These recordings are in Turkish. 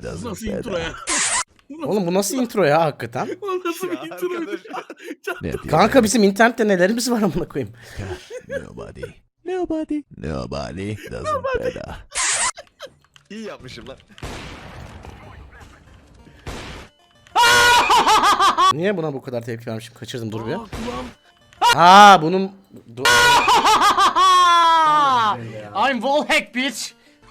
Doesn't Nasıl intro ya? Oğlum bu nasıl intro ya hakikaten? O nasıl bir Ya introydu? matter. Kanka bizim internette nelerimiz var amına koyayım. Nobody. Nobody. Nobody doesn't matter. İyi yapmışım lan. Niye buna bu kadar tepki vermişim? Kaçırdım dur bir. Aa, kulağım. Ha bunun... I'm wallhack bitch.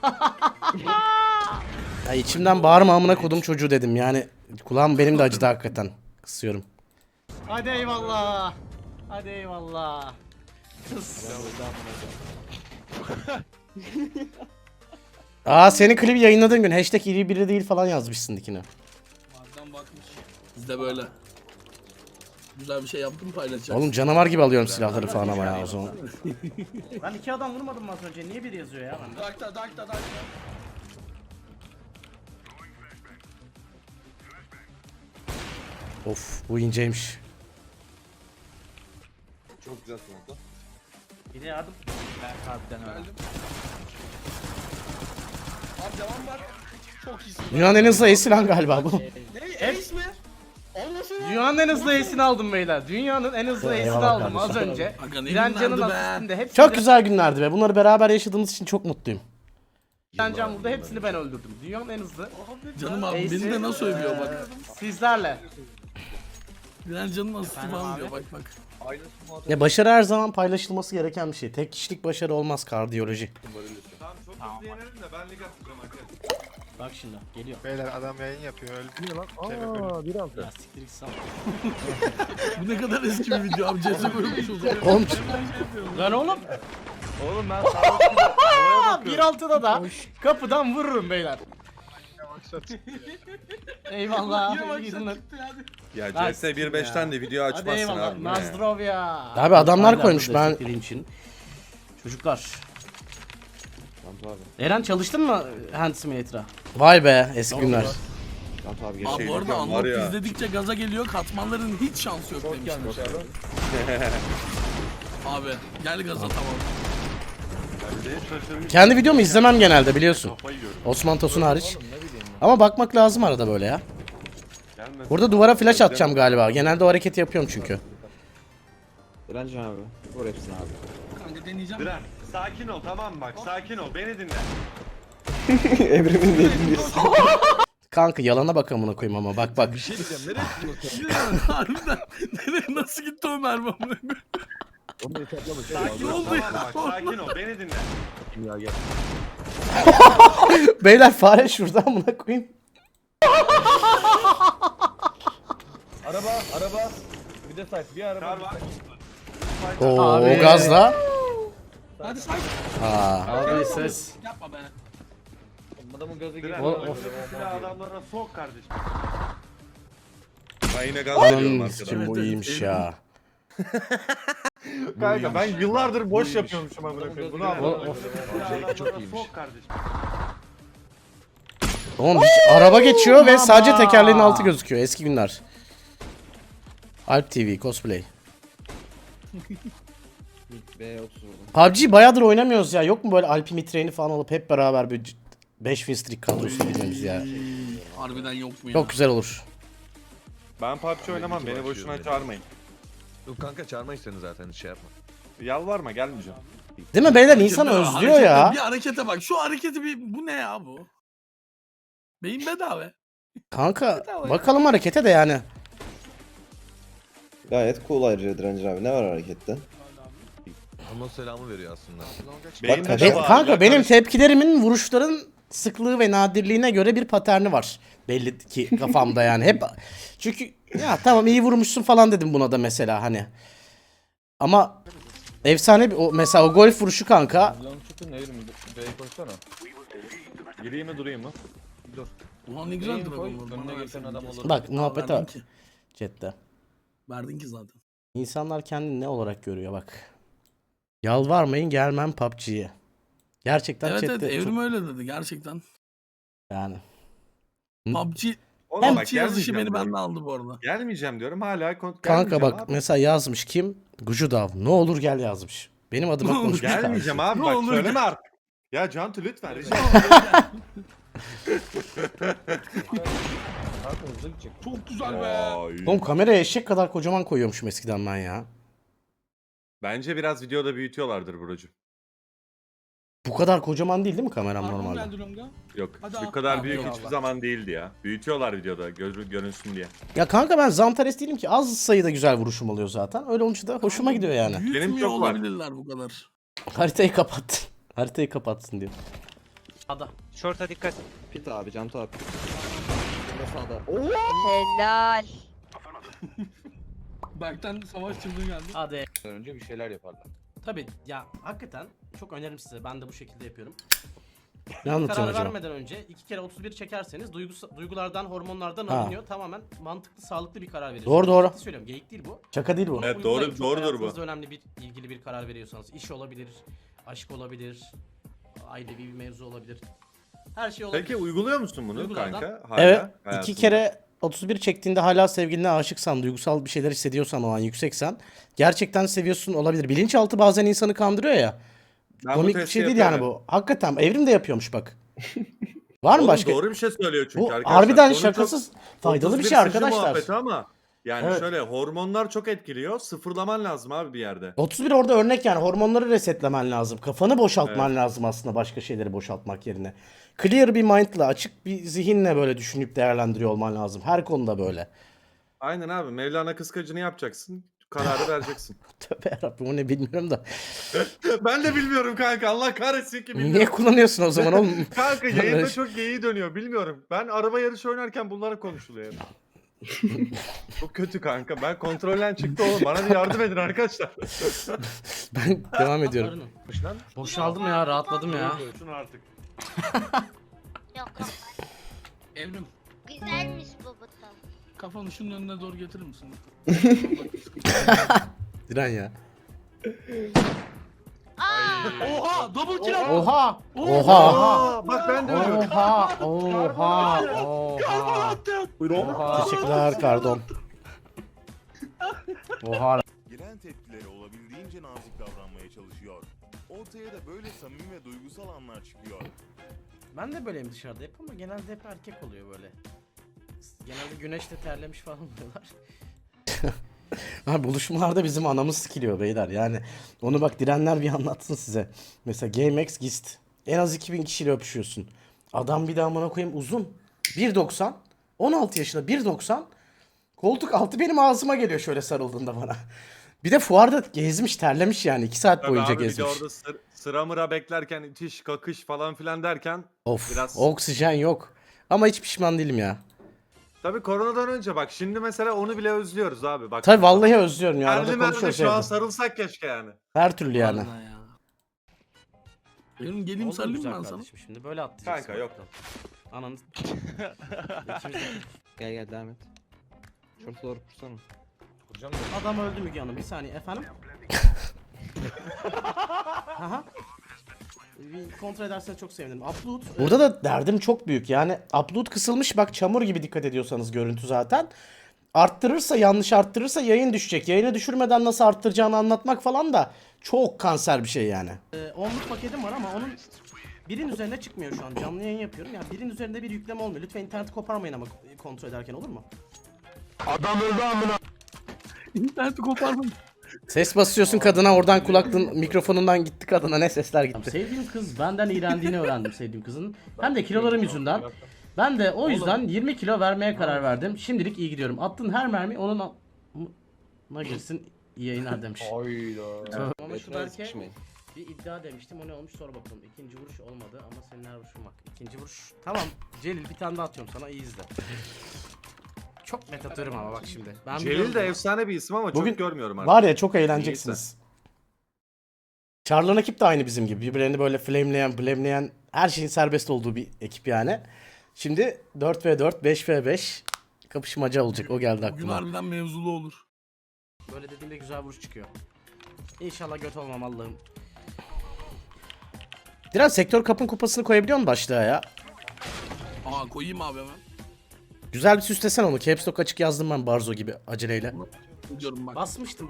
Ya içimden bağırma amına kodum çocuğu dedim yani. Kulağım benim de acıdı hakikaten. Kısıyorum. Hadi eyvallah. Hadi eyvallah. Aa senin klibi yayınladığın gün hashtag iri biri değil falan yazmışsın dikine. Madem bakmış. Biz de böyle. Güzel bir şey yaptım paylaşacağız. Oğlum canavar gibi alıyorum silahları falan ama ya o zaman. Ben iki adam vurmadım mı az önce? Niye biri yazıyor ya bende? Dakta. Of bu inceymiş. Çok güzel smoke'la. Bir de yardım. Geldim. Abi devam var. Çok iyisin. Dünyanın en hızlı ace'i lan galiba bu. Ne? Ace mi? Olmasın ya. Dünyanın en hızlı ace'ini aldım beyler. Dünyanın en hızlı ace'ini aldım az önce. Aga ne Direncan'ın günlerdi be. asistinde hepsi. Çok güzel günlerdi be. Bunları beraber yaşadığımız için çok mutluyum. Direncan burada hepsini ben öldürdüm. Dünyanın en hızlı. Canım abi Ace'i, beni de nasıl övüyor bak. Sizlerle. Diren canım nasıl falan diyor bak. Aynı smoke'la. Ya başarı her zaman paylaşılması gereken bir şey. Tek kişilik başarı olmaz kardiyoloji. Tamam çok hızlı yenelim de ben lig atacağım arkadaşlar. Bak şimdi geliyor. Beyler adam yayın yapıyor öyle değil lan. Aa, Ya siktir git sal. Bu ne kadar eski bir video abi. CS bölünmüş o zaman. Oğlum. Lan oğlum. Oğlum ben sağ 1.6'da da kapıdan vururum beyler. Eyvallah. iyi günler. Ya Nice. CS 1.5'ten de video Hadi açmazsın eyvallah. abi. Nazdrovya. Abi adamlar koymuş ben. Için. Çocuklar. Eren çalıştın mı Hand Simulator'a? Vay be eski günler. Abi Abi bu arada var Unlock ya. izledikçe gaza geliyor. Katmanların hiç şansı yok demiştim. Abi gel gaza tamam. Kendi videomu izlemem genelde biliyorsun. Osman Tosun hariç. Ama bakmak lazım arada böyle ya. Burada duvara flash atacağım galiba. Genelde o hareketi yapıyorum çünkü. Direncan abi. Vur hepsini abi. Kanka deneyeceğim. Diren sakin ol tamam mı bak sakin ol beni dinle. Evrimin dediğini Kanka yalana bak amına koyayım ama bak bak. şey diyeceğim nereye gidiyorsun? Harbiden. Nereye nasıl gitti o mermi amına koyayım? Sakin ol oldu ya? tamam bak sakin ol beni dinle. Beyler fare şurada amına koyayım. Araba. Bir de site bir araba. Kar var. Oo Abi. o gazla. Hadi say. Aa. Abi ses. Yapma be. Adamın gazı O- of. Silah adamlarına sok kardeşim. Ben yine gaz veriyorum Anam arkadan. sikim bu iyiymiş ya. Kanka ben yıllardır boş yapıyormuşum amına koyayım. Bunu anladım. Silah adamlarına sok kardeşim. Oğlum hiç araba geçiyor ve sadece tekerleğin altı gözüküyor. Eski günler. Alp TV cosplay. B30 vurdum. PUBG bayağıdır oynamıyoruz ya. Yok mu böyle Alp'i mitreni falan alıp hep beraber bir 5 win streak kadrosu girmemiz ya. Harbiden yok mu ya? Çok güzel olur. Ben PUBG oynamam beni boşuna çağırmayın. Yok kanka çağırmayız seni zaten şey yapma. Yalvarma gelmeyeceğim. Değil mi beyler insan özlüyor ya. Bir harekete bak. Şu hareketi bu ne ya bu? Beyin bedava. Kanka bakalım harekete de yani. Gayet cool ayrıca Direncan abi. Ne var harekette? Ama selamı veriyor aslında. Beyinde kaç- de var. Kanka benim tepkilerimin vuruşların sıklığı ve nadirliğine göre bir paterni var. Belli ki kafamda yani hep. Çünkü ya tamam iyi vurmuşsun falan dedim buna da mesela hani. Ama efsane bir o mesela o golf vuruşu kanka. Gireyim mi durayım mı? Ulan ne güzel dragon vurdu. Bak muhabbete Verdin bak ki. chatte. Verdin ki zaten. İnsanlar kendini ne olarak görüyor bak. Yalvarmayın gelmem PUBG'ye. Gerçekten Evet chatte evet çok- Evrim öyle dedi gerçekten. yani. PUBG Oğlum bak PUBG yazışı beni gelmeyeceğim benden diyorum. aldı bu arada. Gelmeyeceğim diyorum hala Kanka gelmeyeceğim bak abi. mesela yazmış kim? Gucudav. Ne olur gel yazmış. Benim adıma Ne olur konuşmuş. Gelmeyeceğim abi Ne bak olur söyleme gel. artık. Ya Cantu lütfen rica ederim. Kanka hızlı gidecek. Çok güzel be. Vay. Oğlum kameraya eşek kadar kocaman koyuyormuşum eskiden ben ya. Bence biraz videoda büyütüyorlardır Buracığım. Bu kadar kocaman değil mi kameram Arkamı normalde? geldi Longa. Yok Hadi bu abi. kadar Abi, büyük eyvallah. hiçbir zaman değildi ya. Büyütüyorlar videoda görünsün diye. Ya kanka ben Zantares değilim ki. Az sayıda güzel vuruşum oluyor zaten. Öyle olunca da hoşuma gidiyor yani. Büyütmüyor çok var. olabilirler bu kadar. Haritayı kapat. Haritayı kapatsın diyor. Ada. Short'a dikkat. Pit abi, cam top. Sağda. Helal. Berk'ten savaş çıldığı geldi. Hadi. Önce bir şeyler yaparlar. Tabii ya hakikaten çok öneririm size. Ben de bu şekilde yapıyorum. Ne Karar anlatıyorsun acaba? vermeden önce 2 kere 31 çekerseniz duygulardan, hormonlardan Ha. alınıyor. Tamamen mantıklı, sağlıklı bir karar veriyorsunuz. Doğru, doğru. Ciddi söylüyorum. Geyik değil bu. Şaka değil bu. Evet, Uygulayın. doğru- Çok doğrudur bu. hayatınızda önemli bir ilgili bir karar veriyorsanız. İş olabilir, aşk olabilir, ailevi bir mevzu olabilir. Her şey olabilir. Peki uyguluyor musun bunu Uygulardan. kanka? Hala Evet. İki hayatında? kere 31 çektiğinde hala sevgiline aşıksan, duygusal bir şeyler hissediyorsan, o an yükseksen gerçekten seviyorsun olabilir. Bilinçaltı bazen insanı kandırıyor ya. Ben bu Komik bir testi şey değil yani yapıyorum. bu. Hakikaten Evrim de yapıyormuş bak. Var mı Oğlum başka? doğru bir şey söylüyor çünkü Bu arkadaşlar. harbiden Konu çok şakasız faydalı bir 31 şey sıcı arkadaşlar. muhabbeti ama yani Evet. şöyle hormonlar çok etkiliyor. Sıfırlaman lazım abi bir yerde. 31 orada örnek yani hormonları resetlemen lazım. Kafanı boşaltman lazım aslında başka şeyleri boşaltmak yerine. Clear bir mind'la, açık bir zihinle böyle düşünüp değerlendiriyor olman lazım. Her konuda böyle. Aynen abi. Mevlana kıskacını yapacaksın. Kararı vereceksin. Tövbe yarabbim o ne bilmiyorum da. Ben de bilmiyorum kanka. Allah kahretsin ki bilmiyorum. Niye kullanıyorsun o zaman oğlum? Kanka yayında çok geyiği dönüyor. Bilmiyorum. Ben araba yarışı oynarken bunlara konuşuluyor. Çok kötü kanka. Ben kontrolden çıktı oğlum. Bana bir yardım edin arkadaşlar. Ben devam ediyorum. Arının. Boşaldım ya, rahatladım ya. Şunu artık. Yok yok. Evrim, Güzelmiş bu buton. kafanı şunun önüne doğru getirir misin? Diren ya. Oha! Double kill attı! Oha! Oha! Aa, bak ben de ölüyorum. Oha! Oha! Oha! Oha! Teşekkürler Kardon. Oha! Giren tepkileri olabildiğince nazik davranmaya çalışıyor. Ortaya da böyle samimi ve duygusal anlar çıkıyor. Ben de böyleyim dışarıda hep ama genelde hep erkek oluyor böyle. Genelde güneşte terlemiş falan oluyorlar. Abi buluşmalarda bizim anamız sikiliyor beyler yani. Onu bak Direnler bir anlatsın size. Mesela GameX Gist. En az 2000 kişiyle öpüşüyorsun. Adam bir daha amına koyayım uzun. 1.90. 16 yaşında 1.90. Koltuk altı benim ağzıma geliyor şöyle sarıldığında bana. Bir de fuarda gezmiş terlemiş yani 2 saat Tabii boyunca abi, bir de gezmiş. orada sıra mıra beklerken itiş kakış falan filan derken Of biraz- oksijen yok. Ama hiç pişman değilim ya. tabii koronadan önce bak şimdi mesela onu bile özlüyoruz abi. Bak, Tabii vallahi özlüyorum ya. Arada Terli merli konuşuyoruz şu an evde. sarılsak keşke yani. Her türlü yani. Vallahi ya. Evrim geleyim Oldu mu sarılayım güzel ben sana. kardeşim şimdi böyle atlayacaksın. Kanka yok. Ananı... İkimiz de- Gel gel devam et. Şurta doğru kursana. Kuracağım da. Adam öldü Müge Hanım. Bir saniye efendim. Aha. Bir kontrol ederseniz çok sevinirim. Upload. Burada da derdim çok büyük. Yani upload kısılmış bak çamur gibi dikkat ediyorsanız görüntü zaten. Arttırırsa yanlış arttırırsa yayın düşecek. Yayını düşürmeden nasıl arttıracağını anlatmak falan da çok kanser bir şey yani. 10'luk paketim var ama onun birin üzerine çıkmıyor şu an. Canlı yayın yapıyorum. Yani birin üzerinde bir yükleme olmuyor. Lütfen interneti koparmayın ama kontrol ederken olur mu? İnterneti koparma. Ses basıyorsun kadına oradan kulaklığın mikrofonundan gitti kadına ne sesler gitti. Sevdiğim kız benden iğrendiğini öğrendim sevdiğim kızın. Hem de kilolarım yüzünden. Ben de o yüzden 20 kilo vermeye karar verdim. Şimdilik iyi gidiyorum. Attığın her mermi onun na girsin iyi yayınlar demiş. Hayda. Ama şu Betine Berke sıkışmayın. bir iddia demiştim. O ne olmuş sor bakalım. İkinci vuruş olmadı ama senin her vuruşun bak. İkinci vuruş. Tamam Celil bir tane daha atıyorum sana iyi izle. Çok net atıyorum ama bak şimdi. Ben Celil biliyorum de bunu. efsane bir isim ama Bugün çok görmüyorum artık. Var ya çok eğleneceksiniz. Charlon ekip de aynı bizim gibi. Birbirlerini böyle flameleyen her şeyin serbest olduğu bir ekip yani. Şimdi 4v4, 5v5 kapışmaca olacak. O geldi Bugün aklıma. harbiden mevzulu olur. Böyle dediğimde güzel vuruş çıkıyor. İnşallah göt olmam Allah'ım. Diren sektör kapın kupasını koyabiliyor musun başlığa ya? Aa koyayım abi hemen. Güzel bir süslesen onu. Caps Lock açık yazdım ben Barzo gibi aceleyle. Diyorum bak. Basmıştım.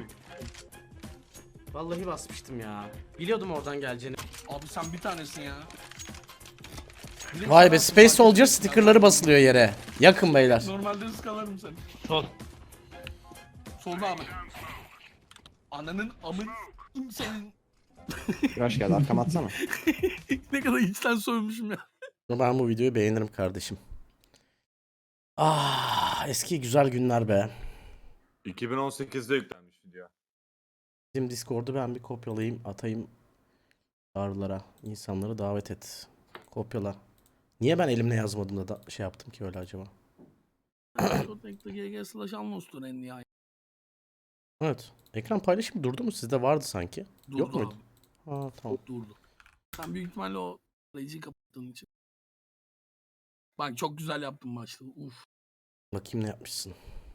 Vallahi basmıştım ya. Biliyordum oradan geleceğini. Abi sen bir tanesin ya. Direkt Vay be sana Space atın, fark Soldier etmez. stickerları basılıyor yere. Yakın beyler. Normalde ıskalarım seni. Sol. Solda abi. Ananın amın senin. Güneş geldi arkama atsana. Ne kadar içten soymuşum ya. Ben bu videoyu beğenirim kardeşim. Ah eski güzel günler be. 2018'de yüklenmiş video. Bizim Discord'u ben bir kopyalayayım atayım çağrılara. İnsanları davet et. Kopyala. Niye ben elimle yazmadım da şey yaptım ki öyle acaba? Protect'te GG/Anlos'tur en nihayet. Evet. Ekran paylaşımı durdu mu? Sizde vardı sanki. Durdu Yok muydu? abi. Ha tamam. Durdu. Sen büyük ihtimalle o arayıcıyı kapattığın için. Bak çok güzel yaptın maçta. Uf. Bakayım ne yapmışsın.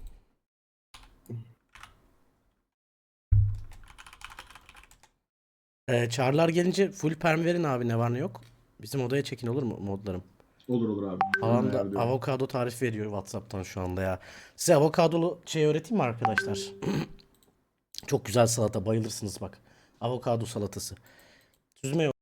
Çağrılar gelince full perm verin abi ne var ne yok. Bizim odaya çekin olur mu modlarım? Olur abi. Babam da avokado tarif veriyor WhatsApp'tan şu anda ya. Size avokadolu şey öğreteyim mi arkadaşlar? Çok güzel salata bayılırsınız bak. Avokado salatası. Süzme